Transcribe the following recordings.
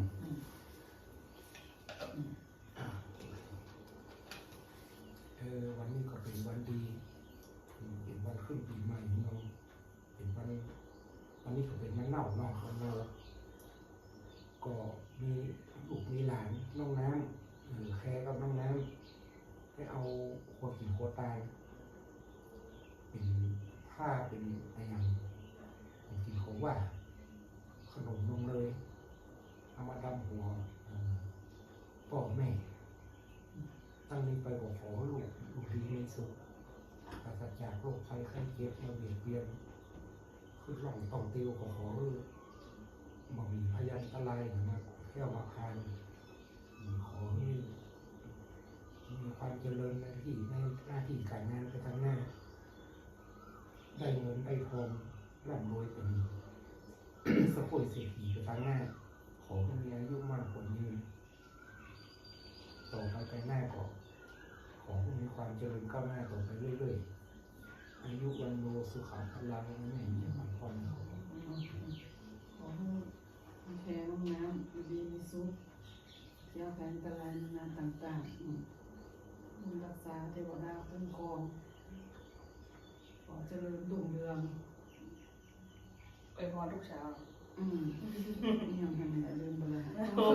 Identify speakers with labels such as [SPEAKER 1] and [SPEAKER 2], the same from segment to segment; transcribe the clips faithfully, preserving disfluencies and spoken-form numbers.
[SPEAKER 1] เออวันนี้ก็เป็นวันดีเป็นวันขึ้นปีใหม่เนาะเป็นวันวันนี้ก็เป็นวันเน่าเนาะวันเน่าก็มีลูกมีหลานน้องน้ำเออแค่กับน้องน้ำให้เอาขวดกินขวดตายเป็นผ้าเป็นอะไรอย่างเป็นกินของว่าขนมนมเลยเอามาดำหัวพ่อแม่ตั้งนี้ไปบอกขอลูกลูกดีมีสุขปราศจากโรคภัยไข้เจ็บมาเบียดเบียนคือหล่องต้องติวขอขอบ่มีพยันตรายมาแค่มาคานขอให้มีความเจริญในที่ในหน้าที่การงานไปทางหน้าได้เงินได้ทองร่ำรวยเป็นสกุลเศรษฐีไปทางหน้าขอให้มีอายุมั่นขวัญยืนต่อไปไปหน้าก็ขอให้มีความเจริญก้าวหน้าต่อไปเรื่อยๆอายุวันโนสุขังพลังไม่มีความพอน
[SPEAKER 2] ขอให้แค่น้องน้ำอยู่ดีมีสุขเจ้าแผนตรายนาต่างๆบุญรักษาเทวดาคุ้มครองขอเจริญรุ่งเรือง
[SPEAKER 3] ไปพรทุกเช้า
[SPEAKER 2] อืมยังทำอะไรลืมไปเลย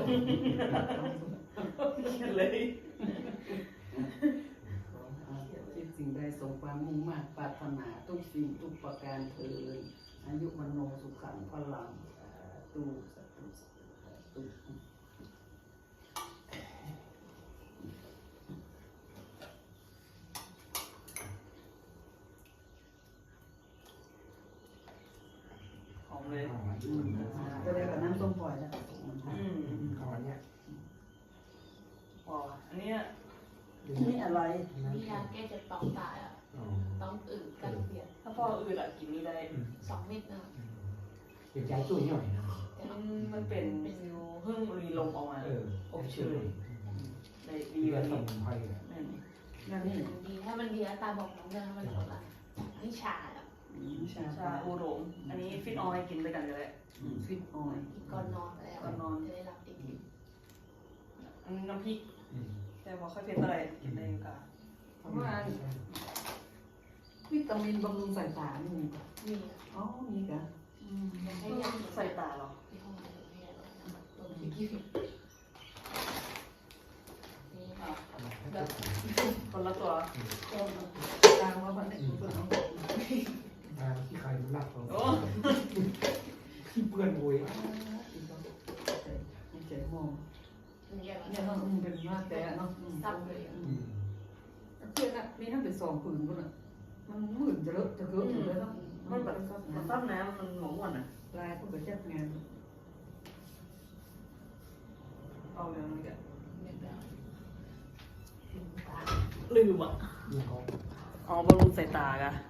[SPEAKER 3] เลย
[SPEAKER 2] คิดสิ่งใดสมความมุ่งมั่นปรารถนาทุกสิ่งทุกประการเถิดอายุวันโนสุขังพลังตูสัตตุสัตตุ
[SPEAKER 3] หอมเลย
[SPEAKER 2] ก็ได้กับน้ำส้มปล่อยแล้ว
[SPEAKER 3] อืม
[SPEAKER 1] เอาอันเนี้ย
[SPEAKER 3] พออันนี้
[SPEAKER 2] นี่อะไร
[SPEAKER 4] มียาแก้เจ็บต้องตายอ่ะต้องอืดกันเปลี่ยน
[SPEAKER 3] ถ้าพ่ออืดอะกินนี้ได้
[SPEAKER 4] สองเม็ดนะ
[SPEAKER 1] เป็นใจช่วยหน่อยนะ
[SPEAKER 3] มันมันเป็นฟิวเพิ่งรีลมออกมาอบเชยได้ดีกว่านี้
[SPEAKER 4] นั่นนี่ดีถ้ามันดีแล้วตาบอกน้องเรื่องถ้ามันหมดละนี่ชาอ่ะ
[SPEAKER 3] ชาชาอูหลงอันนี้ฟิตออยกินด้วยกันเลย
[SPEAKER 2] ฟิตออย
[SPEAKER 4] กินก่อนนอนแล้วก่อนนอนจะได้รับดี
[SPEAKER 3] อันนี้น้ำพริกแต่ว่าค่อยเผ็ดอะไรกินได้ก็
[SPEAKER 2] เพราะว่าวิตามินบำรุงสายตานี่
[SPEAKER 4] มี
[SPEAKER 2] อ๋อมีกัน
[SPEAKER 3] ให้ใส่ตาหรอ
[SPEAKER 4] ที่ห้องน้ำเนี่ยตัวที่กี่ฟิตนี่แบบ
[SPEAKER 3] คนละตัว
[SPEAKER 2] ตามว่ามันเป็นตัวน้อง
[SPEAKER 1] ตามที่ใครมันรักเราที่เพื่อนโวย
[SPEAKER 2] เจ๋งมองเนี่ยเราเป็นมากแต่เนาะ
[SPEAKER 4] ซับเลย
[SPEAKER 2] เพื่อนอะมีทั้งเป็นสองผืนก็เลยมันหมื่นจะเลอะจะเกินอยู่เลยเนาะ
[SPEAKER 3] มันแบบมันตั้งน้ำมันหมองวนอ่ะ
[SPEAKER 2] ลายพวกแบบแจ๊บงาน
[SPEAKER 3] เอาอย่างนี้กัน
[SPEAKER 4] ตา
[SPEAKER 3] ลืมอ่ะอ๋อบำรุงสายตากัน